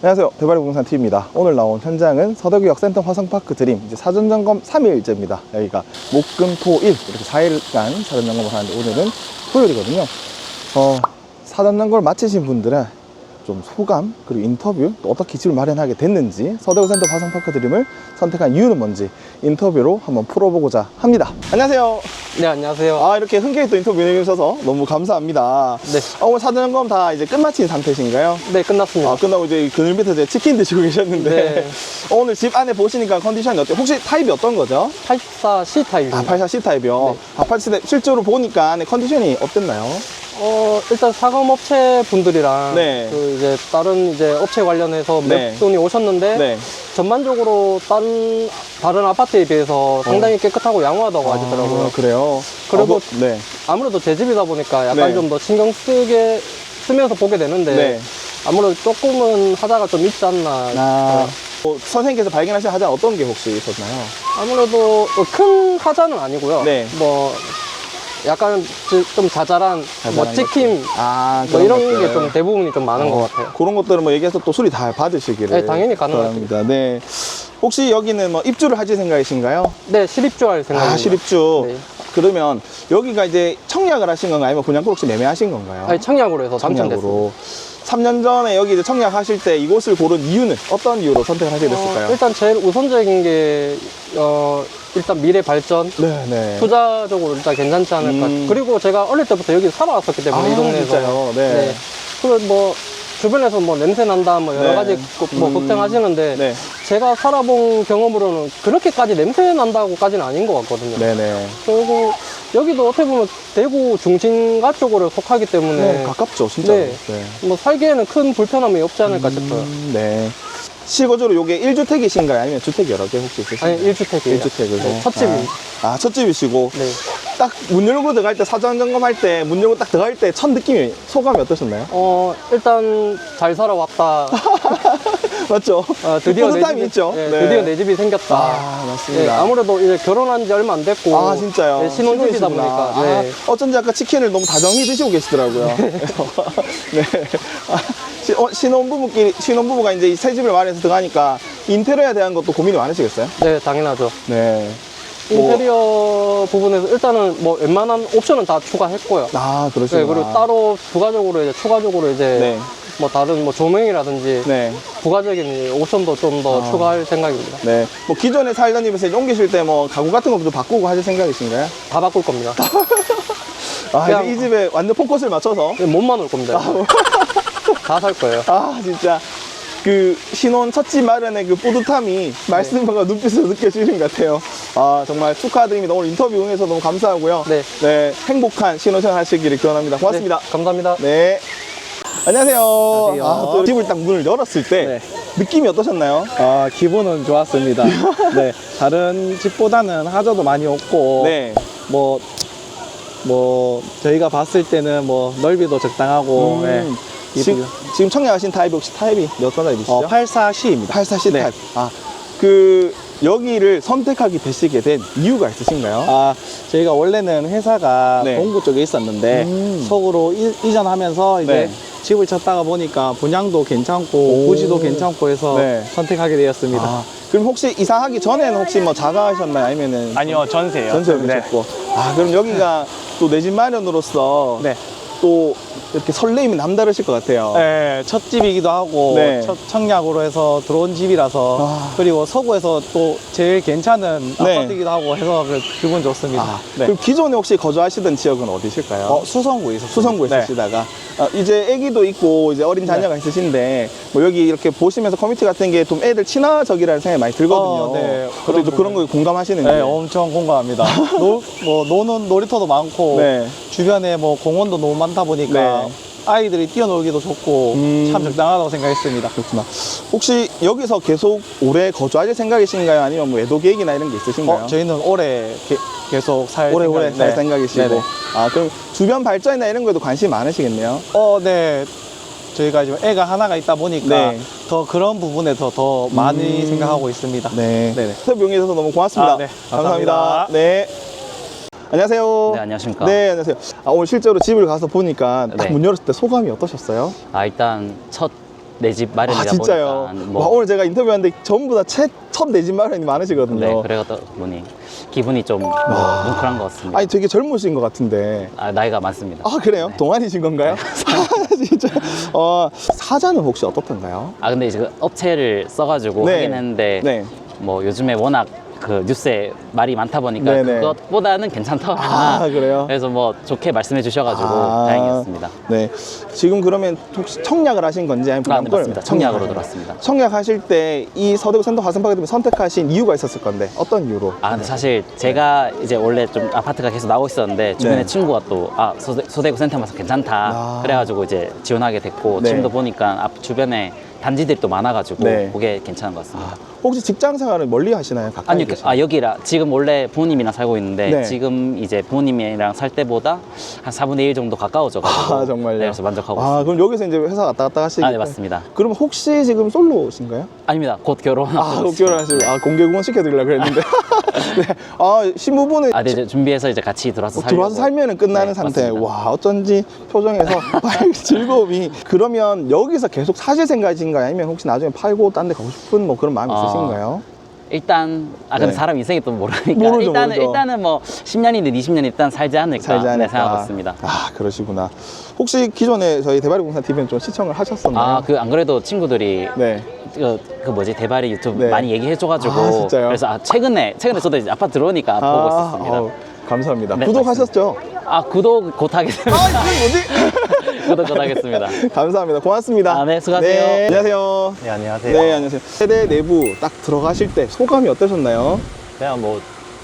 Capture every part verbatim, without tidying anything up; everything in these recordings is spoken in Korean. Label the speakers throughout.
Speaker 1: 안녕하세요, 대발이 부동산 티비입니다. 오늘 나온 현장은 서대구역 센텀 화성파크 드림 이제 사전점검 삼 일째입니다. 여기가 목금토일 이렇게 사 일간 사전점검을 하는데 오늘은 토요일이거든요. 어, 사전점검을 마치신 분들은 좀 소감 그리고 인터뷰 또 어떻게 집을 마련하게 됐는지 서대구 센텀 화성파크 드림을 선택한 이유는 뭔지 인터뷰로 한번 풀어보고자 합니다. 안녕하세요.
Speaker 2: 네, 안녕하세요.
Speaker 1: 아, 이렇게 흔쾌히 또 인터뷰 해주셔서 너무 감사합니다.
Speaker 2: 네.
Speaker 1: 어, 오늘 사전점검 다 이제 끝마친 상태신가요?
Speaker 2: 네, 끝났습니다.
Speaker 1: 아, 끝나고 이제 그늘 밑에 이제 치킨 드시고 계셨는데
Speaker 2: 네.
Speaker 1: 어, 오늘 집 안에 보시니까 컨디션이 어때요? 혹시 타입이 어떤 거죠?
Speaker 2: 팔십사 씨 타입입니다.
Speaker 1: 아, 팔십사 씨 타입이요?
Speaker 2: 네.
Speaker 1: 아, 팔십사 타입 실제로 보니까 안에 컨디션이 어땠나요?
Speaker 2: 어, 일단 사감업체 분들이랑
Speaker 1: 네.
Speaker 2: 그 이제 다른 이제 업체 관련해서
Speaker 1: 네.
Speaker 2: 몇 분이 오셨는데
Speaker 1: 네.
Speaker 2: 전반적으로 다른 다른 아파트에 비해서 상당히 깨끗하고 양호하다고 하시더라고요.
Speaker 1: 아, 그래요?
Speaker 2: 그리고
Speaker 1: 어, 뭐, 네.
Speaker 2: 아무래도 제 집이다 보니까 약간
Speaker 1: 네.
Speaker 2: 좀 더 신경 쓰게 쓰면서 보게 되는데
Speaker 1: 네.
Speaker 2: 아무래도 조금은 하자가 좀 있지 않나.
Speaker 1: 아,
Speaker 2: 네.
Speaker 1: 뭐, 선생님께서 발견하신 하자 어떤 게 혹시 있었나요?
Speaker 2: 아무래도 큰 하자는 아니고요.
Speaker 1: 네.
Speaker 2: 뭐 약간 좀 자잘한,
Speaker 1: 자잘한
Speaker 2: 뭐 찍힘
Speaker 1: 아,
Speaker 2: 뭐
Speaker 1: 그런
Speaker 2: 이런 게
Speaker 1: 것들.
Speaker 2: 좀 대부분이 좀 많은
Speaker 1: 어,
Speaker 2: 것 같아요.
Speaker 1: 그런 것들은 뭐 얘기해서 또 수리 다 받으시기를.
Speaker 2: 네, 당연히 가능하죠.
Speaker 1: 바랍니다. 네. 혹시 여기는 뭐 입주를 하실 생각이신가요?
Speaker 2: 네, 실입주할 생각입니다.
Speaker 1: 아, 실입주.
Speaker 2: 네.
Speaker 1: 그러면 여기가 이제 청약을 하신 건가요? 아니면 분양권 혹시 매매하신 건가요?
Speaker 2: 아니, 청약으로 해서 당첨됐습니다.
Speaker 1: 청약으로. 삼 년 전에 여기 이제 청약하실 때 이곳을 고른 이유는 어떤 이유로 선택을 하게 됐을까요?
Speaker 2: 어, 일단 제일 우선적인 게 어, 일단 미래 발전,
Speaker 1: 네, 네.
Speaker 2: 투자적으로 일단 괜찮지 않을까.
Speaker 1: 음.
Speaker 2: 그리고 제가 어릴 때부터 여기 살아왔었기 때문에
Speaker 1: 아,
Speaker 2: 이 동네에서.
Speaker 1: 진짜요? 네.
Speaker 2: 그리고 뭐 주변에서 뭐 냄새 난다 뭐 여러
Speaker 1: 네.
Speaker 2: 가지 뭐
Speaker 1: 음.
Speaker 2: 걱정하시는데
Speaker 1: 네.
Speaker 2: 제가 살아본 경험으로는 그렇게까지 냄새 난다고까지는 아닌 것 같거든요.
Speaker 1: 네네.
Speaker 2: 그리고 여기도 어떻게 보면 대구 중심가 쪽으로 속하기 때문에
Speaker 1: 네, 가깝죠, 진짜.
Speaker 2: 네.
Speaker 1: 네.
Speaker 2: 뭐 살기에는 큰 불편함이 없지 않을까 싶어요.
Speaker 1: 음, 네. 실거주로 요게 일 주택이신가요? 아니면 주택 여러 개 혹시 있으신가요?
Speaker 2: 아니, 일 주택이에요.
Speaker 1: 일 주택이고.
Speaker 2: 네, 첫 집입니다.
Speaker 1: 아, 아, 첫 집이시고.
Speaker 2: 네.
Speaker 1: 딱 문 열고 들어갈 때, 사전 점검할 때, 문 열고 딱 들어갈 때 첫 느낌이, 소감이 어떠셨나요?
Speaker 2: 어, 일단 잘 살아왔다.
Speaker 1: 맞죠?
Speaker 2: 어, 드디어 내
Speaker 1: 뿌듯함이
Speaker 2: 집이,
Speaker 1: 있죠.
Speaker 2: 네,
Speaker 1: 네.
Speaker 2: 드디어 내 집이 생겼다.
Speaker 1: 아, 맞습니다.
Speaker 2: 네, 아무래도 이제 결혼한 지 얼마 안 됐고.
Speaker 1: 아, 진짜요?
Speaker 2: 네, 신혼집이다
Speaker 1: 신혼이시구나.
Speaker 2: 보니까.
Speaker 1: 아,
Speaker 2: 네.
Speaker 1: 어쩐지 아까 치킨을 너무 다정히 드시고 계시더라고요. 네. 아, 시- 어, 신혼부부끼리, 신혼부부가 이제 이 새 집을 마련해서 들어가니까 인테리어에 대한 것도 고민이 많으시겠어요?
Speaker 2: 네, 당연하죠.
Speaker 1: 네. 뭐-
Speaker 2: 인테리어 부분에서 일단은 뭐 웬만한 옵션은 다 추가했고요.
Speaker 1: 아, 그러시구나.
Speaker 2: 네, 그리고 따로 부가적으로 이제 추가적으로 이제
Speaker 1: 네.
Speaker 2: 뭐 다른 뭐 조명이라든지
Speaker 1: 네.
Speaker 2: 부가적인 옵션도 좀 더
Speaker 1: 아.
Speaker 2: 추가할 생각입니다.
Speaker 1: 네. 뭐 기존에 살던 집에서 이제 옮기실 때 뭐 가구 같은 것도 바꾸고 하실 생각이신가요?
Speaker 2: 다 바꿀 겁니다.
Speaker 1: 아,
Speaker 2: 그냥-
Speaker 1: 이제 이 집에 완전 포커스를 맞춰서.
Speaker 2: 몸만 올 겁니다. 다 살 거예요.
Speaker 1: 아, 진짜. 그 신혼 첫집 마련의 그 뿌듯함이 말씀과 눈빛으로 느껴지는 것 같아요. 아, 정말 축하드립니다. 오늘 인터뷰 응해서 너무 감사하고요.
Speaker 2: 네.
Speaker 1: 네, 행복한 신혼생활 하시기를 기원합니다. 고맙습니다.
Speaker 2: 네, 감사합니다.
Speaker 1: 네. 안녕하세요.
Speaker 3: 안녕하세요.
Speaker 1: 아, 또 집을 딱 문을 열었을 때
Speaker 3: 네.
Speaker 1: 느낌이 어떠셨나요?
Speaker 3: 아, 기분은 좋았습니다. 네, 다른 집보다는 하자도 많이 없고,
Speaker 1: 네.
Speaker 3: 뭐, 뭐, 저희가 봤을 때는 뭐, 넓이도 적당하고,
Speaker 1: 음,
Speaker 3: 네.
Speaker 1: 지금, 지금 청약하신 타입이 혹시 타입이 몇 번 타입이시죠?
Speaker 3: 어, 팔십사 씨입니다.
Speaker 1: 팔십사 씨
Speaker 3: 네.
Speaker 1: 타입. 아, 그 여기를 선택하게 되시게 된 이유가 있으신가요?
Speaker 3: 아, 저희가 원래는 회사가
Speaker 1: 네.
Speaker 3: 동구 쪽에 있었는데,
Speaker 1: 음.
Speaker 3: 서구로 이, 이전하면서 이제
Speaker 1: 네.
Speaker 3: 집을 찾다가 보니까 분양도 괜찮고,
Speaker 1: 오.
Speaker 3: 부지도 괜찮고 해서
Speaker 1: 네.
Speaker 3: 선택하게 되었습니다.
Speaker 1: 아, 그럼 혹시 이사하기 전에는 혹시 뭐 자가하셨나요? 아니면은
Speaker 3: 아니요, 전세요.
Speaker 1: 전세를 하셨고. 아, 그럼 여기가 또 내 집 마련으로서
Speaker 3: 네.
Speaker 1: 또 이렇게 설레임이 남다르실 것 같아요.
Speaker 3: 네, 첫 집이기도 하고
Speaker 1: 네.
Speaker 3: 첫 청약으로 해서 들어온 집이라서
Speaker 1: 아.
Speaker 3: 그리고 서구에서 또 제일 괜찮은
Speaker 1: 네.
Speaker 3: 아파트이기도 하고 해서 그 기분 좋습니다.
Speaker 1: 아,
Speaker 3: 네.
Speaker 1: 그럼 기존에 혹시 거주하시던 지역은 어디실까요?
Speaker 3: 어, 수성구에 있었어요.
Speaker 1: 수성구에
Speaker 3: 네.
Speaker 1: 있으시다가 아, 이제 아기도 있고 이제 어린 자녀가 있으신데 뭐 여기 이렇게 보시면서 커뮤니티 같은 게 좀 애들 친화적이라는 생각이 많이 들거든요.
Speaker 3: 어, 네.
Speaker 1: 그런
Speaker 3: 그런
Speaker 1: 그런 거에 공감하시는지.
Speaker 3: 네, 엄청 공감합니다. 노, 뭐 노는 놀이터도 많고
Speaker 1: 네.
Speaker 3: 주변에 뭐 공원도 너무 많다 보니까
Speaker 1: 네.
Speaker 3: 아이들이 뛰어놀기도 좋고
Speaker 1: 음.
Speaker 3: 참 적당하다고 생각했습니다.
Speaker 1: 그렇구나. 혹시 여기서 계속 오래 거주하실 생각이신가요? 아니면 뭐 애도 계획이나 이런 게 있으신가요?
Speaker 3: 어, 저희는 올해 게- 계속 살
Speaker 1: 오래오래
Speaker 3: 생각-
Speaker 1: 살
Speaker 3: 네.
Speaker 1: 생각이시고.
Speaker 3: 네네.
Speaker 1: 아, 그럼 주변 발전이나 이런 거에도 관심이 많으시겠네요.
Speaker 3: 어, 네. 저희가 지금 애가 하나가 있다 보니까
Speaker 1: 네.
Speaker 3: 더 그런 부분에서 더 많이
Speaker 1: 음.
Speaker 3: 생각하고 있습니다.
Speaker 1: 네.
Speaker 3: 네네.
Speaker 1: 인터뷰 응해주셔서 너무 고맙습니다.
Speaker 3: 아, 네. 감사합니다.
Speaker 1: 네. 안녕하세요.
Speaker 4: 네, 안녕하십니까.
Speaker 1: 네, 안녕하세요. 아, 오늘 실제로 집을 가서 보니까 딱
Speaker 4: 네.
Speaker 1: 문 열었을 때 소감이 어떠셨어요?
Speaker 4: 아, 일단 첫 내 집 마련이다
Speaker 1: 아 진짜요?
Speaker 4: 보니까 뭐
Speaker 1: 와, 오늘 제가 인터뷰하는데 전부 다 첫 내 집 마련이 많으시거든요.
Speaker 4: 네, 그래다 보니 기분이 좀 뭐, 뭉클한 것 같습니다.
Speaker 1: 아니 되게 젊으신 것 같은데.
Speaker 4: 아, 나이가 많습니다.
Speaker 1: 아 그래요? 동안이신 건가요? 진짜. 어, 사자는 혹시 어떻던가요?
Speaker 4: 아 근데 이제 그 업체를 써가지고
Speaker 1: 네.
Speaker 4: 하긴 했는데
Speaker 1: 네.
Speaker 4: 뭐 요즘에 워낙 그 뉴스에 말이 많다 보니까
Speaker 1: 네네.
Speaker 4: 그것보다는 괜찮다.
Speaker 1: 아, 그래요?
Speaker 4: 그래서 뭐 좋게 말씀해 주셔가지고
Speaker 1: 아,
Speaker 4: 다행이었습니다.
Speaker 1: 네. 지금 그러면 혹시 청약을 하신 건지 아니면
Speaker 4: 아, 네,
Speaker 1: 분양권을-
Speaker 4: 맞습니다. 청약으로 들어왔습니다.
Speaker 1: 청약하실 때 이 서대구 센터 화성파크팀을 선택하신 이유가 있었을 건데 어떤 이유로?
Speaker 4: 아 근데 사실 제가 이제 원래 좀 아파트가 계속 나오고 있었는데 주변에
Speaker 1: 네.
Speaker 4: 친구가 또 아 소대, 소대구 센터마서 괜찮다
Speaker 1: 아.
Speaker 4: 그래가지고 이제 지원하게 됐고
Speaker 1: 네.
Speaker 4: 지금도 보니까 앞 주변에 단지들이 또 많아가지고
Speaker 1: 네.
Speaker 4: 그게 괜찮은 것 같습니다.
Speaker 1: 아, 혹시 직장 생활을 멀리 하시나요? 가까이
Speaker 4: 아니, 그-
Speaker 1: 계시나요?
Speaker 4: 아, 여기라, 지금 원래 부모님이랑 살고 있는데,
Speaker 1: 네.
Speaker 4: 지금 이제 부모님이랑 살 때보다 한 사분의 일 정도 가까워져가지고.
Speaker 1: 아, 정말요?
Speaker 4: 네, 그래서 만족하고
Speaker 1: 아,
Speaker 4: 있습니다.
Speaker 1: 그럼 여기서 이제 회사 왔다 갔다 하시기
Speaker 4: 아, 네, 맞습니다.
Speaker 1: 그럼 혹시 지금 솔로신가요?
Speaker 4: 아닙니다. 곧 결혼.
Speaker 1: 아, 곧 결혼하시고 아, 공개 구원 시켜드리려고 그랬는데 네. 아, 신부분은
Speaker 4: 아, 네, 이제 준비해서 이제 같이 들어와서
Speaker 1: 어,
Speaker 4: 살려고.
Speaker 1: 들어와서 살면은 끝나는
Speaker 4: 네,
Speaker 1: 상태.
Speaker 4: 맞습니다.
Speaker 1: 와, 어쩐지 표정에서 즐거움이. 그러면 여기서 계속 사실 생각이신가요? 아니면 혹시 나중에 팔고 딴 데 가고 싶은 뭐 그런 마음이
Speaker 4: 아,
Speaker 1: 있으신가요?
Speaker 4: 일단, 아, 근데
Speaker 1: 네.
Speaker 4: 사람 인생이 또 모르니까.
Speaker 1: 모르죠,
Speaker 4: 일단은,
Speaker 1: 모르죠.
Speaker 4: 일단은 뭐, 십 년이든 이십 년 일단 살지 않을까.
Speaker 1: 살지 않을까.
Speaker 4: 네, 생각하고 있습니다.
Speaker 1: 아, 그러시구나. 혹시 기존에 저희 대바리공사 티비는 좀 시청을 하셨었나요?
Speaker 4: 아, 그, 안 그래도 친구들이.
Speaker 1: 네.
Speaker 4: 그, 그 뭐지, 대바리 유튜브
Speaker 1: 네.
Speaker 4: 많이 얘기해줘가지고.
Speaker 1: 아, 진짜요?
Speaker 4: 그래서 아, 최근에, 최근에 저도 이제 아파트 들어오니까 보고 있었습니다.
Speaker 1: 어우, 감사합니다.
Speaker 4: 네,
Speaker 1: 구독하셨죠?
Speaker 4: 아, 구독 곧 하겠습니다.
Speaker 1: 아, 이게 뭐지?
Speaker 4: 구독 곧 하겠습니다.
Speaker 1: 감사합니다. 고맙습니다.
Speaker 4: 아, 네, 수고하세요.
Speaker 1: 네, 안녕하세요.
Speaker 5: 네, 안녕하세요.
Speaker 1: 네, 안녕하세요. 세대 내부 딱 들어가실 때 소감이 어떠셨나요?
Speaker 5: 그냥 뭐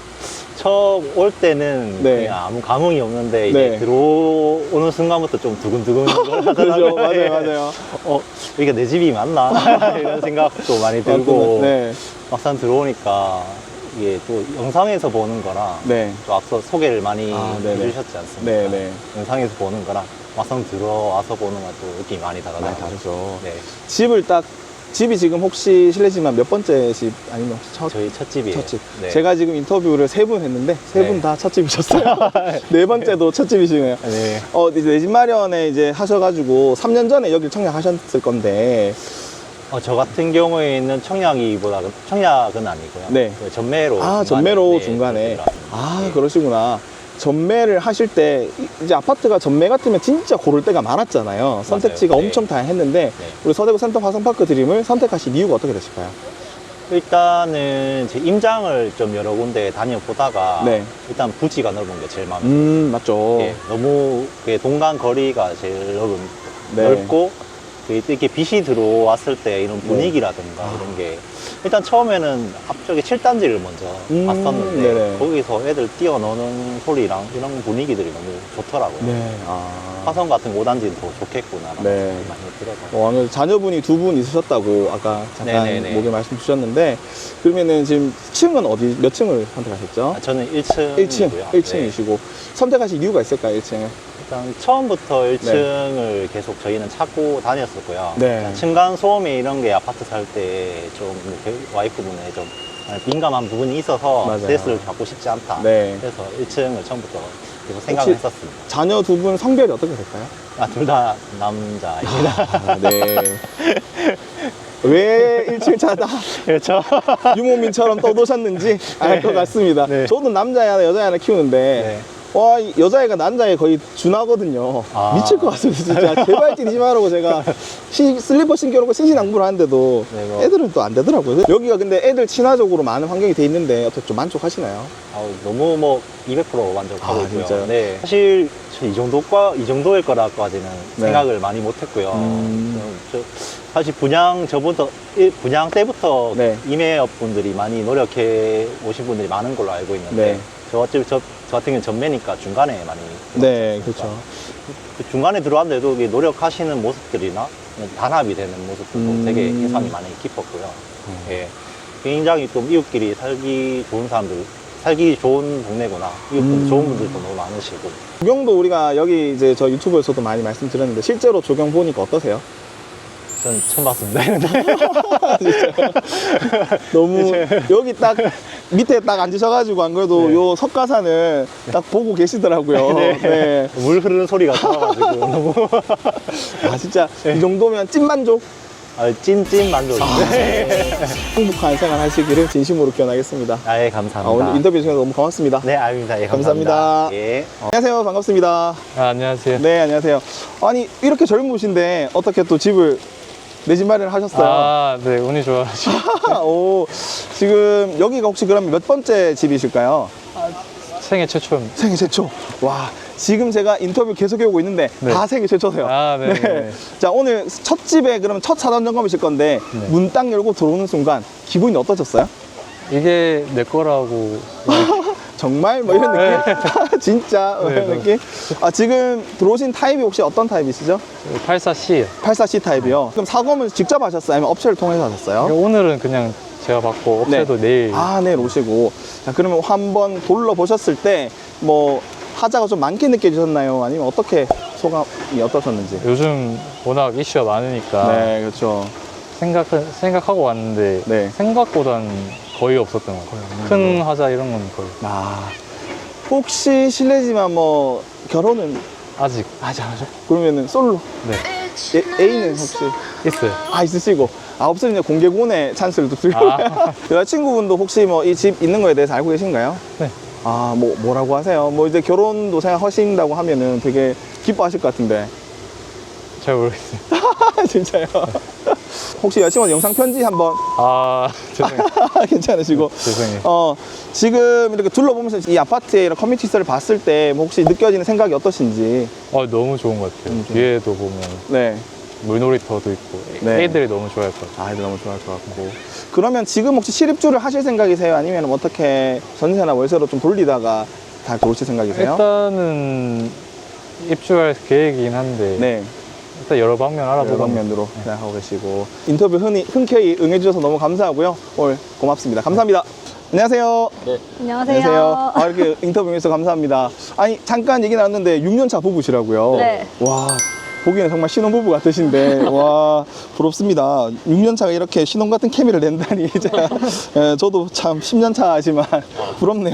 Speaker 5: 처음 올 때는
Speaker 1: 네.
Speaker 5: 그냥 아무 감흥이 없는데 이제
Speaker 1: 네.
Speaker 5: 들어오는 순간부터 좀 두근두근
Speaker 1: 그렇죠.
Speaker 5: 하더라고요.
Speaker 1: 맞아요, 맞아요.
Speaker 5: 어, 이게 내 집이 맞나? 이런 생각도 많이 들고
Speaker 1: 네.
Speaker 5: 막상 들어오니까 이게 또 영상에서 보는 거랑
Speaker 1: 네.
Speaker 5: 또 앞서 소개를 많이
Speaker 1: 아, 네네.
Speaker 5: 해주셨지 않습니까?
Speaker 1: 네, 네.
Speaker 5: 영상에서 보는 거랑 막상 들어와서 보는 건 또 느낌이 많이 다르더라고요.
Speaker 1: 많이 다르죠.
Speaker 5: 네,
Speaker 1: 집을 딱 집이 지금 혹시 실례지만 몇 번째 집 아니면 혹시 첫,
Speaker 5: 저희 첫 집이에요.
Speaker 1: 첫 집?
Speaker 5: 네.
Speaker 1: 제가 지금 인터뷰를 세 분 했는데 세 분
Speaker 5: 네.
Speaker 1: 다 첫 집이셨어요. 네 번째도 첫 집이시네요.
Speaker 5: 네.
Speaker 1: 어, 이제 내 집 마련에 이제 하셔가지고 삼 년 전에 여기 청약하셨을 건데
Speaker 5: 어, 저 같은 경우에는 청약이보다 청약은 아니고요.
Speaker 1: 네.
Speaker 5: 그 전매로.
Speaker 1: 아,
Speaker 5: 중간에,
Speaker 1: 전매로
Speaker 5: 네,
Speaker 1: 중간에.
Speaker 5: 그렇게 들어왔습니다.
Speaker 1: 아,
Speaker 5: 네.
Speaker 1: 그러시구나. 전매를 하실 때 이제 아파트가 전매 같으면 진짜 고를 때가 많았잖아요. 선택지가
Speaker 5: 네.
Speaker 1: 엄청 다양했는데
Speaker 5: 네.
Speaker 1: 우리 서대구 센터 화성파크 드림을 선택하신 이유가 어떻게 되실까요?
Speaker 5: 일단은 제 임장을 좀 여러 군데 다녀보다가
Speaker 1: 네.
Speaker 5: 일단 부지가 넓은 게 제일 마음에 들어요.
Speaker 1: 음, 맞죠.
Speaker 5: 예, 너무 그 동간 거리가 제일 넓은,
Speaker 1: 네.
Speaker 5: 넓고 그 이렇게 빛이 들어왔을 때 이런 분위기라든가
Speaker 1: 아.
Speaker 5: 이런 게 일단 처음에는 앞쪽에 칠 단지를 먼저
Speaker 1: 음,
Speaker 5: 봤었는데
Speaker 1: 네네.
Speaker 5: 거기서 애들 뛰어노는 소리랑 이런 분위기들이 너무 좋더라고요.
Speaker 1: 네. 아.
Speaker 5: 화성 같은 오 단지는 더 좋겠구나라는
Speaker 1: 네.
Speaker 5: 생각이 많이 들어서
Speaker 1: 어, 오늘 자녀분이 두 분 있으셨다고 아까 잠깐
Speaker 5: 네네네.
Speaker 1: 목에 말씀 주셨는데 그러면은 지금 층은 어디 몇 층을 선택하셨죠?
Speaker 5: 아, 저는 일 층이고요.
Speaker 1: 일 층, 일 층이시고 선택하실 이유가 있을까요? 일 층을?
Speaker 5: 일단 처음부터 일 층을 계속 저희는 찾고 다녔었고요.
Speaker 1: 네.
Speaker 5: 일단 층간 소음이 이런 게 아파트 살 때 좀 와이프분에 좀 민감한 부분이 있어서
Speaker 1: 맞아요.
Speaker 5: 스트레스를 받고 싶지 않다.
Speaker 1: 네.
Speaker 5: 그래서 일 층을 처음부터 계속 생각을
Speaker 1: 혹시-
Speaker 5: 했었습니다.
Speaker 1: 자녀 두 분 성별이 어떻게 될까요?
Speaker 5: 아, 둘 다 남자입니다.
Speaker 1: 아, 네. 왜 일 층 차다
Speaker 5: 그렇죠.
Speaker 1: 유모민처럼 떠도셨는지 알 것 같습니다.
Speaker 5: 네.
Speaker 1: 저도 남자애 하나 여자애 하나 키우는데
Speaker 5: 네.
Speaker 1: 와, 이 여자애가 남자애 거의 준하거든요.
Speaker 5: 아.
Speaker 1: 미칠 것 같습니다. 진짜 제발 뛰지 말라고 제가 시, 슬리퍼 신겨놓고 신신당부를 하는데도
Speaker 5: 네, 뭐.
Speaker 1: 애들은 또 안 되더라고요. 여기가 근데 애들 친화적으로 많은 환경이 돼 있는데 어떻게 좀 만족하시나요?
Speaker 5: 아우, 너무 뭐 이백 퍼센트 만족하고
Speaker 1: 아,
Speaker 5: 있고요.
Speaker 1: 진짜요?
Speaker 5: 네. 사실 저 이 정도과 이 정도일 거라까지는
Speaker 1: 네.
Speaker 5: 생각을 많이 못했고요.
Speaker 1: 음.
Speaker 5: 음, 저, 사실 분양 저부터 일- 분양 때부터
Speaker 1: 네.
Speaker 5: 임해업 분들이 많이 노력해 오신 분들이 많은 걸로 알고 있는데
Speaker 1: 네.
Speaker 5: 저 어차피 저, 저 같은 경우는 전매니까 중간에 많이
Speaker 1: 네,
Speaker 5: 들어왔지 않습니까?
Speaker 1: 그렇죠.
Speaker 5: 그 중간에 들어왔는데도 이게 노력하시는 모습들이나 단합이 되는 모습들도
Speaker 1: 음.
Speaker 5: 되게 인상이 많이 깊었고요. 예. 굉장히 좀 이웃끼리 살기 좋은 사람들, 살기 좋은 동네구나. 이웃분
Speaker 1: 음.
Speaker 5: 좋은 분들도 너무 많으시고.
Speaker 1: 조경도 우리가 여기 이제 저 유튜브에서도 많이 말씀드렸는데 실제로 조경 보니까 어떠세요?
Speaker 5: 전 처음 봤습니다.
Speaker 1: 너무 여기 딱 밑에 딱 앉으셔가지고 안 그래도
Speaker 5: 네.
Speaker 1: 요 석가산을 딱 보고 계시더라고요.
Speaker 5: 네.
Speaker 1: 네.
Speaker 5: 물 흐르는 소리가 들어가지고 너무.
Speaker 1: 아 진짜 이 정도면 찐만족.
Speaker 5: 아, 찐찐 만족입니다.
Speaker 1: 행복한 생활 하시기를 진심으로 기원하겠습니다.
Speaker 5: 아, 예,
Speaker 1: 아,
Speaker 5: 감사합니다.
Speaker 1: 오늘 인터뷰 주셔서 너무 고맙습니다.
Speaker 5: 네, 아닙니다. 예,
Speaker 1: 감사합니다.
Speaker 5: 감사합니다. 예.
Speaker 1: 안녕하세요. 반갑습니다.
Speaker 2: 아, 안녕하세요.
Speaker 1: 네, 안녕하세요. 아니, 이렇게 젊으신데 어떻게 또 집을 내 집 마련을 하셨어요?
Speaker 2: 아, 네, 운이 좋아가지고.
Speaker 1: 오, 지금 여기가 혹시 그러면 몇 번째 집이실까요?
Speaker 2: 생애 최초입니다.
Speaker 1: 생애 최초. 와, 지금 제가 인터뷰 계속 해오고 있는데
Speaker 2: 네.
Speaker 1: 다 생애 최초세요.
Speaker 2: 아, 네. 네.
Speaker 1: 자, 오늘 첫 집에 그러면 첫 사전 점검이실 건데
Speaker 2: 네.
Speaker 1: 문 딱 열고 들어오는 순간 기분이 어떠셨어요?
Speaker 2: 이게 내 거라고.
Speaker 1: 정말 뭐 이런
Speaker 2: 네.
Speaker 1: 느낌? 진짜 뭐 이런
Speaker 2: 네,
Speaker 1: 느낌? 아, 지금 들어오신 타입이 혹시 어떤 타입이시죠?
Speaker 2: 팔십사 씨요.
Speaker 1: 팔십사 씨 타입이요. 그럼 사검을 직접 하셨어요? 아니면 업체를 통해서 하셨어요?
Speaker 2: 오늘은 그냥 제가 받고 업체도 내일.
Speaker 1: 아, 내일 오시고. 자, 그러면 한번 둘러보셨을 때 뭐 하자가 좀 많게 느껴지셨나요? 아니면 어떻게 소감이 어떠셨는지?
Speaker 2: 요즘 워낙 이슈가 많으니까
Speaker 1: 네, 그렇죠.
Speaker 2: 생각, 생각하고 왔는데
Speaker 1: 네.
Speaker 2: 생각보단 거의 없었던 것 같아요. 큰 하자 이런 건 거의.
Speaker 1: 아, 혹시 실례지만 뭐 결혼은
Speaker 2: 아직
Speaker 1: 아직 안 하죠? 그러면은 솔로?
Speaker 2: 네.
Speaker 1: 예, A는 혹시
Speaker 2: 있어요.
Speaker 1: 아 있으시고 아 없으면 이제 공개 구원의 찬스를 또 드리고
Speaker 2: 아.
Speaker 1: 여자친구분도 혹시 뭐 이 집 있는 거에 대해서 알고 계신가요?
Speaker 2: 네.
Speaker 1: 아, 뭐 뭐라고 하세요? 뭐 이제 결혼도 생각하신다고 하면은 되게 기뻐하실 것 같은데
Speaker 2: 잘 모르겠어요.
Speaker 1: 진짜요? 혹시 여자친구한테 영상 편지 한번
Speaker 2: 아, 죄송해요.
Speaker 1: 괜찮으시고
Speaker 2: 죄송해요.
Speaker 1: 어 지금 이렇게 둘러보면서 이 아파트의 이런 커뮤니티 시설을 봤을 때 뭐 혹시 느껴지는 생각이 어떠신지?
Speaker 2: 어, 너무 좋은 것 같아요.
Speaker 1: 너무 좋은
Speaker 2: 위에도 보면
Speaker 1: 네.
Speaker 2: 물놀이터도 있고
Speaker 1: 네.
Speaker 2: 애들이 너무 좋아할 것 같아요.
Speaker 1: 아이들 너무 좋아할 것 같고. 그러면 지금 혹시 실입주를 하실 생각이세요? 아니면 어떻게 전세나 월세로 좀 돌리다가 다 들어오실 생각이세요?
Speaker 2: 일단은 입주할 계획이긴 한데
Speaker 1: 네,
Speaker 2: 일단 여러 방면
Speaker 1: 여러
Speaker 2: 알아보고
Speaker 1: 방면으로 생각하고 계시고 인터뷰 흔히, 흔쾌히 응해주셔서 너무 감사하고요. 오늘 고맙습니다. 감사합니다. 안녕하세요.
Speaker 6: 안녕하세요.
Speaker 1: 아, 이렇게 인터뷰 해주셔서 감사합니다. 아니, 잠깐 얘기 나왔는데 육 년 차 부부시라고요?
Speaker 6: 네.
Speaker 1: 와, 보기에는 정말 신혼부부 같으신데, 와, 부럽습니다. 육 년 차가 이렇게 신혼 같은 케미를 낸다니, 제가, 예, 저도 참 십 년 차지만 부럽네요.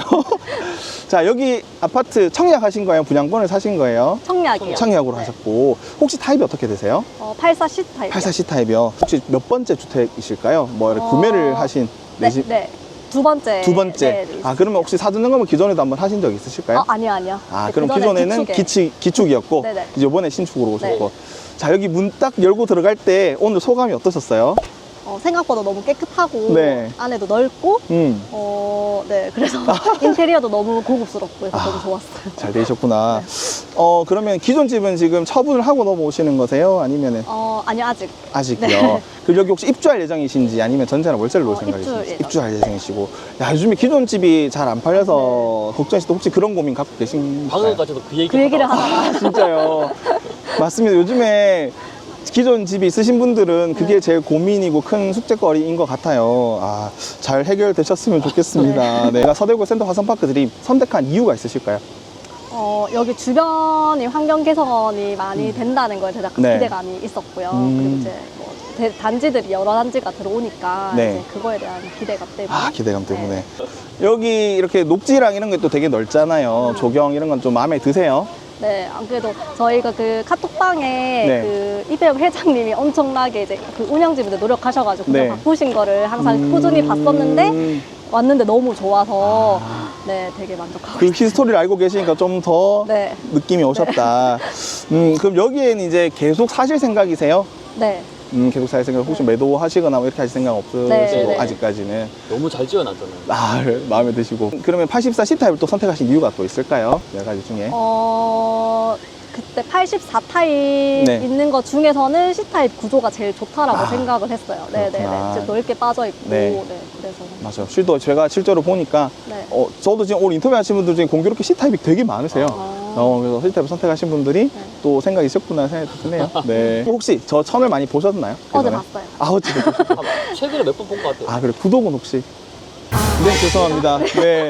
Speaker 1: 자, 여기 아파트 청약 하신 거예요? 분양권을 사신 거예요?
Speaker 6: 청약이요.
Speaker 1: 청약으로
Speaker 6: 네.
Speaker 1: 하셨고, 혹시 타입이 어떻게 되세요?
Speaker 6: 어, 팔십사 씨 타입.
Speaker 1: 팔십사 씨 타입이요. 혹시 몇 번째 주택이실까요? 뭐, 이렇게
Speaker 6: 어,
Speaker 1: 구매를 하신
Speaker 6: 네,
Speaker 1: 내 집?
Speaker 6: 네. 두 번째.
Speaker 1: 두 번째.
Speaker 6: 네, 네,
Speaker 1: 아, 그러면 혹시 사전 점검을 기존에도 한번 하신 적 있으실까요?
Speaker 6: 어, 아니요, 아니요.
Speaker 1: 아,
Speaker 6: 네,
Speaker 1: 그럼
Speaker 6: 그전에
Speaker 1: 기존에는
Speaker 6: 기축에.
Speaker 1: 기축, 기축이었고,
Speaker 6: 네네.
Speaker 1: 이제 이번에 신축으로 오셨고.
Speaker 6: 네.
Speaker 1: 자, 여기 문 딱 열고 들어갈 때 오늘 소감이 어떠셨어요?
Speaker 6: 어, 생각보다 너무 깨끗하고
Speaker 1: 네.
Speaker 6: 안에도 넓고
Speaker 1: 음,
Speaker 6: 어, 네. 그래서 인테리어도 너무 고급스럽고 해서
Speaker 1: 아.
Speaker 6: 너무 좋았어요.
Speaker 1: 잘 되셨구나. 어, 그러면 기존 집은 지금 처분을 하고 넘어오시는 거세요? 아니면은
Speaker 6: 어, 아니요, 아직.
Speaker 1: 아직요?
Speaker 6: 네.
Speaker 1: 그리고 여기 혹시 입주할 예정이신지 아니면 전세나 월세를 놓을
Speaker 6: 어,
Speaker 1: 생각이신지?
Speaker 6: 입주 예정.
Speaker 1: 입주할 예정이시고. 야, 요즘에 기존 집이 잘 안 팔려서 걱정하실 때 혹시 그런 고민 갖고 계신가요?
Speaker 7: 방금까지도 그 얘기
Speaker 6: 그 얘기를 하다가.
Speaker 1: 진짜요. 맞습니다. 요즘에 기존 집이 있으신 분들은 그게 제일 고민이고 큰 숙제거리인 것 같아요. 아, 잘 해결되셨으면 좋겠습니다. 네. 내가 서대구 센터 화성파크 드림 선택한 이유가 있으실까요?
Speaker 6: 어, 여기 주변이 환경 개선이 많이 된다는 거에 대해서
Speaker 1: 네.
Speaker 6: 기대감이 있었고요.
Speaker 1: 음.
Speaker 6: 그리고 이제 뭐 대- 단지들이 여러 단지가 들어오니까
Speaker 1: 네.
Speaker 6: 이제 그거에 대한 기대감 때문에.
Speaker 1: 아, 기대감 때문에.
Speaker 6: 네.
Speaker 1: 여기 이렇게 녹지랑 이런 것도 되게 넓잖아요. 조경 이런 건 좀 마음에 드세요?
Speaker 6: 네, 안 그래도 저희가 그 카톡방에
Speaker 1: 네.
Speaker 6: 그 이배영 회장님이 엄청나게 이제 그 운영진분들 노력하셔가지고
Speaker 1: 네.
Speaker 6: 그냥 바꾸신 거를 항상
Speaker 1: 음.
Speaker 6: 꾸준히 봤었는데 왔는데 너무 좋아서
Speaker 1: 아.
Speaker 6: 네, 되게 만족하고
Speaker 1: 그
Speaker 6: 있어요.
Speaker 1: 히스토리를 알고 계시니까 좀 더
Speaker 6: 네,
Speaker 1: 느낌이 오셨다. 음, 그럼 여기에는 이제 계속 사실 생각이세요?
Speaker 6: 네,
Speaker 1: 음, 계속 살 생각, 혹시 매도하시거나 뭐 이렇게 하실 생각 없으시고,
Speaker 6: 네, 네.
Speaker 1: 아직까지는.
Speaker 7: 너무 잘 지어놨잖아요.
Speaker 1: 아, 마음에 드시고. 그러면 팔십사 씨 타입을 또 선택하신 이유가 또 있을까요? 여러 가지 중에.
Speaker 6: 어, 그때 팔십사 타입
Speaker 1: 네.
Speaker 6: 있는 것 중에서는 C 타입 구조가 제일 좋다라고
Speaker 1: 아,
Speaker 6: 생각을 했어요. 네, 네,
Speaker 1: 그렇구나.
Speaker 6: 네. 넓게 빠져 있고,
Speaker 1: 네.
Speaker 6: 네. 그래서
Speaker 1: 맞아요. 실도 제가 실제로 보니까,
Speaker 6: 네.
Speaker 1: 어, 저도 지금 오늘 인터뷰 하신 분들 중에 공교롭게 C 타입이 되게 많으세요.
Speaker 6: 아.
Speaker 1: 어, 그래서 C 타입을 선택하신 분들이
Speaker 6: 네.
Speaker 1: 또 생각이 있었구나 생각이 드네요. 네. 혹시 저 천을 많이 보셨나요?
Speaker 6: 어제
Speaker 1: 그전에?
Speaker 6: 봤어요.
Speaker 1: 아, 어제 보셨어요.
Speaker 7: 아마 최근에 몇 번 본 것 같아요.
Speaker 1: 아, 그래. 구독은 혹시? 네, 죄송합니다. 네.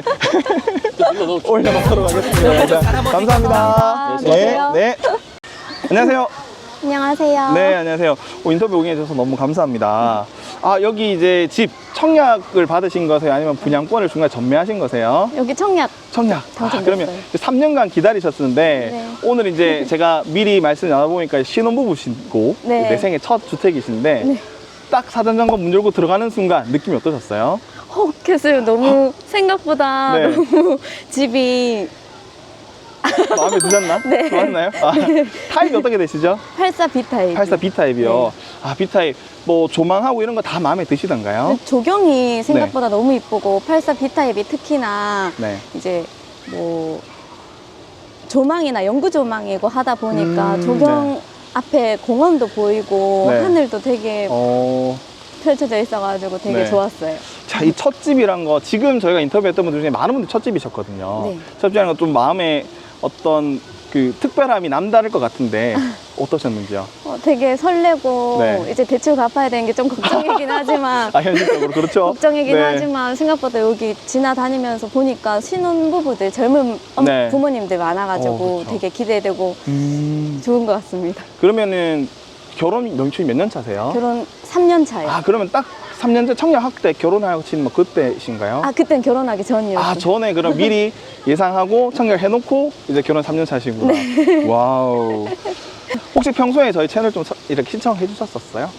Speaker 7: 눌러 넣어.
Speaker 1: 올려놓도록 하겠습니다. 자, 감사합니다.
Speaker 6: 감사합니다.
Speaker 1: 네,
Speaker 6: 안녕하세요.
Speaker 1: 네. 안녕하세요.
Speaker 6: 안녕하세요.
Speaker 1: 네, 안녕하세요. 오, 인터뷰 응해주셔서 너무 감사합니다. 아, 여기 이제 집 청약을 받으신 거세요? 아니면 분양권을 중간에 전매하신 거세요?
Speaker 6: 여기 청약
Speaker 1: 청약. 아,
Speaker 6: 당첨됐어요.
Speaker 1: 그러면 삼 년간 기다리셨는데
Speaker 6: 네.
Speaker 1: 오늘 이제 제가 미리 말씀 나눠보니까 신혼부부시고
Speaker 6: 네.
Speaker 1: 내 생애 첫 주택이신데
Speaker 6: 네.
Speaker 1: 딱 사전 점검 문 열고 들어가는 순간 느낌이 어떠셨어요?
Speaker 8: 혹했어요. 너무 생각보다
Speaker 1: 네.
Speaker 8: 너무 집이
Speaker 1: 마음에 드셨나?
Speaker 8: 네.
Speaker 1: 좋았나요? 아, 타입이 어떻게 되시죠?
Speaker 8: 팔십사 비 타입.
Speaker 1: 팔십사 비 타입이요.
Speaker 8: 네.
Speaker 1: 아, B 타입 뭐 조망하고 이런 거 다 마음에 드시던가요?
Speaker 8: 조경이 생각보다 너무 이쁘고 팔십사 비 타입이 특히나
Speaker 1: 네.
Speaker 8: 이제 뭐 조망이나 연구 조망이고 하다 보니까
Speaker 1: 음,
Speaker 8: 조경
Speaker 1: 네.
Speaker 8: 앞에 공원도 보이고
Speaker 1: 네.
Speaker 8: 하늘도 되게
Speaker 1: 어,
Speaker 8: 펼쳐져 있어가지고 되게
Speaker 1: 네.
Speaker 8: 좋았어요.
Speaker 1: 자, 이 첫집이란 거 지금 저희가 인터뷰했던 분들 중에 많은 분들이 첫집이셨거든요.
Speaker 8: 네.
Speaker 1: 첫집이라는 건 좀 마음에 어떤 그 특별함이 남다를 것 같은데 어떠셨는지요?
Speaker 8: 어, 되게 설레고
Speaker 1: 네.
Speaker 8: 이제 대출 갚아야 되는 게 좀 걱정이긴 하지만
Speaker 1: 아, 현실적으로 그렇죠?
Speaker 8: 걱정이긴
Speaker 1: 네.
Speaker 8: 하지만 생각보다 여기 지나다니면서 보니까 신혼부부들 젊은 엄-
Speaker 1: 네.
Speaker 8: 부모님들 많아가지고
Speaker 1: 어, 그렇죠.
Speaker 8: 되게 기대되고
Speaker 1: 음,
Speaker 8: 좋은 것 같습니다.
Speaker 1: 그러면은 결혼 연초이 몇 년 차세요?
Speaker 8: 결혼 삼 년 차요.
Speaker 1: 아, 그러면 딱 삼 년째 청년학 때 결혼하신 뭐 그때신가요?
Speaker 8: 아, 그땐 결혼하기 전이었어요.
Speaker 1: 아, 전에 그럼 미리 예상하고 청결해놓고 이제 결혼 삼 년 차시구나.
Speaker 8: 네.
Speaker 1: 와우. 혹시 평소에 저희 채널 좀 서- 이렇게 신청해 주셨었어요?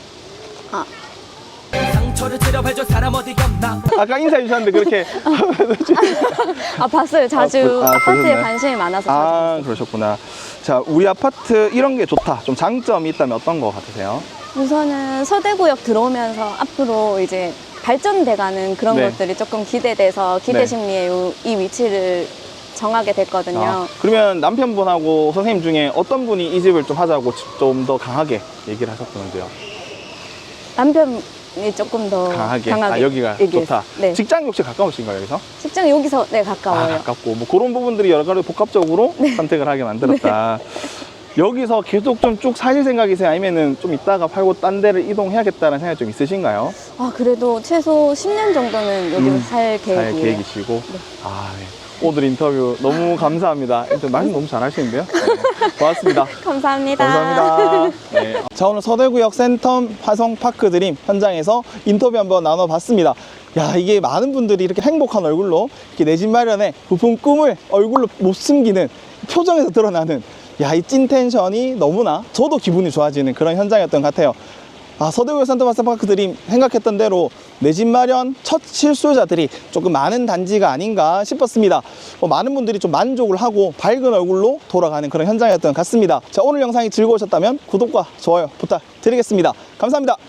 Speaker 9: 상처를 찌려봐줘 사람 어디가 없나.
Speaker 1: 아까 인사해 주셨는데 그렇게.
Speaker 8: 아, 봤어요. 자주
Speaker 1: 아, 보- 아,
Speaker 8: 아파트에
Speaker 1: 보셨나요?
Speaker 8: 관심이 많아서 자주
Speaker 1: 아,
Speaker 8: 봤어요.
Speaker 1: 그러셨구나. 자, 우리 아파트 이런 게 좋다. 좀 장점이 있다면 어떤 거 같으세요?
Speaker 8: 우선은 서대구역 들어오면서 앞으로 이제 발전돼가는 그런
Speaker 1: 네.
Speaker 8: 것들이 조금 기대돼서 기대
Speaker 1: 네.
Speaker 8: 심리에 요- 이 위치를 정하게 됐거든요.
Speaker 1: 아, 그러면 남편분하고 선생님 중에 어떤 분이 이 집을 좀 하자고 좀 더 강하게 얘기를 하셨던지요?
Speaker 8: 남편이 조금 더
Speaker 1: 강하게.
Speaker 8: 강하게
Speaker 1: 아, 여기가
Speaker 8: 얘기했어요.
Speaker 1: 좋다.
Speaker 8: 네.
Speaker 1: 직장이 혹시 가까우신가요, 여기서?
Speaker 8: 직장이 여기서 네
Speaker 1: 아,
Speaker 8: 가까워요.
Speaker 1: 가깝고. 뭐 그런 부분들이 여러 가지 복합적으로 선택을 하게 만들었다. 여기서 계속 좀 쭉 사실 생각이세요? 아니면은 좀 이따가 팔고 딴 데를 이동해야겠다는 생각이 좀 있으신가요?
Speaker 8: 아, 그래도 최소 십 년 정도는 여기
Speaker 1: 음,
Speaker 8: 살
Speaker 1: 잘
Speaker 8: 계획이에요.
Speaker 1: 계획이시고. 아, 네. 오늘 인터뷰 너무 감사합니다. 일단 말씀 너무 잘하시는데요. 네. 고맙습니다.
Speaker 8: 감사합니다.
Speaker 1: 감사합니다. 네. 자, 오늘 서대구역 센텀 화성파크 드림 현장에서 인터뷰 한번 나눠봤습니다. 야, 이게 많은 분들이 이렇게 행복한 얼굴로 이렇게 내 집 마련에 부푼 꿈을 얼굴로 못 숨기는 표정에서 드러나는, 야, 이 찐 텐션이 너무나 저도 기분이 좋아지는 그런 현장이었던 것 같아요. 아, 서대구역 센텀 화성파크 드림 생각했던 대로 내 집 마련 첫 실수요자들이 조금 많은 단지가 아닌가 싶었습니다. 뭐 많은 분들이 좀 만족을 하고 밝은 얼굴로 돌아가는 그런 현장이었던 것 같습니다. 자, 오늘 영상이 즐거우셨다면 구독과 좋아요 부탁드리겠습니다. 감사합니다.